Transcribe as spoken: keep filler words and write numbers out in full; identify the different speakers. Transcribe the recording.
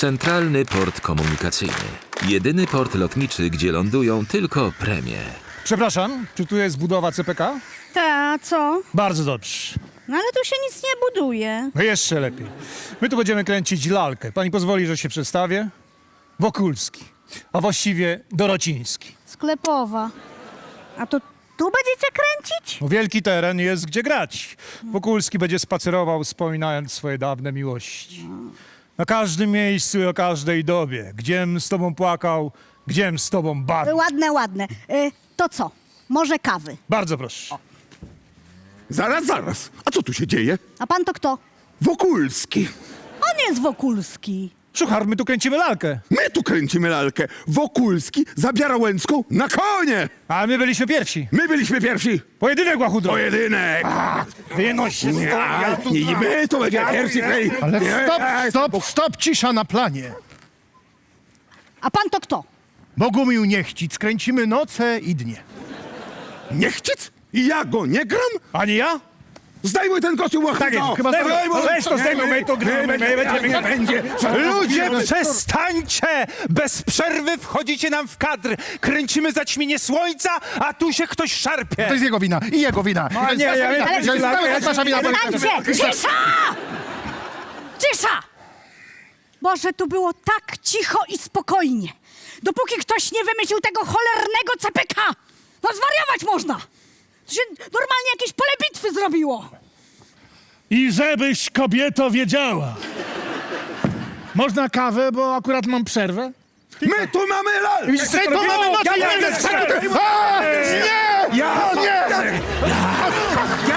Speaker 1: Centralny Port Komunikacyjny. Jedyny port lotniczy, gdzie lądują tylko premie.
Speaker 2: Przepraszam, czy tu jest budowa C P K?
Speaker 3: Ta, co?
Speaker 2: Bardzo dobrze.
Speaker 3: No ale tu się nic nie buduje.
Speaker 2: No jeszcze lepiej. My tu będziemy kręcić lalkę. Pani pozwoli, że się przedstawię? Wokulski, a właściwie Dorociński.
Speaker 3: Sklepowa. A to tu będziecie kręcić?
Speaker 2: No, wielki teren jest gdzie grać. Wokulski będzie spacerował, wspominając swoje dawne miłości. Na każdym miejscu i o każdej dobie. Gdziem z tobą płakał, gdziem z tobą bawił.
Speaker 3: Ładne, ładne. Y, to co? Może kawy.
Speaker 2: Bardzo proszę.
Speaker 4: Zaraz, zaraz. A co tu się dzieje?
Speaker 3: A pan to kto?
Speaker 4: Wokulski.
Speaker 3: On jest Wokulski.
Speaker 2: Szuchar, my tu kręcimy lalkę.
Speaker 4: My tu kręcimy lalkę. Wokulski zabiera Łęcką na konie.
Speaker 2: A my byliśmy pierwsi.
Speaker 4: My byliśmy pierwsi.
Speaker 2: Pojedynek, łachudro.
Speaker 4: Pojedynek.
Speaker 2: Wynoś się
Speaker 4: Nie, nie, nie, my to będzie pierwsi. Hej.
Speaker 5: Ale
Speaker 4: Nie,
Speaker 5: stop,
Speaker 4: hej,
Speaker 5: stop, stop, cisza na planie.
Speaker 3: A pan to kto?
Speaker 5: Bogumił Niechcic, kręcimy noce i dnie.
Speaker 4: Niechcic? I ja go nie gram?
Speaker 2: Ani ja?
Speaker 4: Zdejmuj ten kostium, łachudro.
Speaker 2: Tak jest, chyba
Speaker 4: Zdejmuj,
Speaker 2: zdejmuj. Weź to zdejmuj, my to gramy, my będziemy
Speaker 4: Nie będzie.
Speaker 6: Ludzie, przestańcie! Bez przerwy wchodzicie nam w kadr. Kręcimy zaćmienie słońca, a tu się ktoś szarpie.
Speaker 5: To jest jego wina i jego wina.
Speaker 2: No, nie, ja- ja-
Speaker 5: To jest cały czas nasza wina.
Speaker 3: Stańcie! Cisza! Cisza! Boże, tu było tak cicho i spokojnie. Dopóki ktoś nie wymyślił tego cholernego C P K. No zwariować można. To się normalnie jakieś pole bitwy zrobiło.
Speaker 2: I żebyś, kobieto, wiedziała. Można kawę, bo akurat mam przerwę?
Speaker 4: My tu mamy lalkę.
Speaker 5: Widzisz, to mamy noce i
Speaker 4: ja
Speaker 5: dnie.
Speaker 4: będę
Speaker 5: A, Nie!
Speaker 4: Ja
Speaker 5: Nie!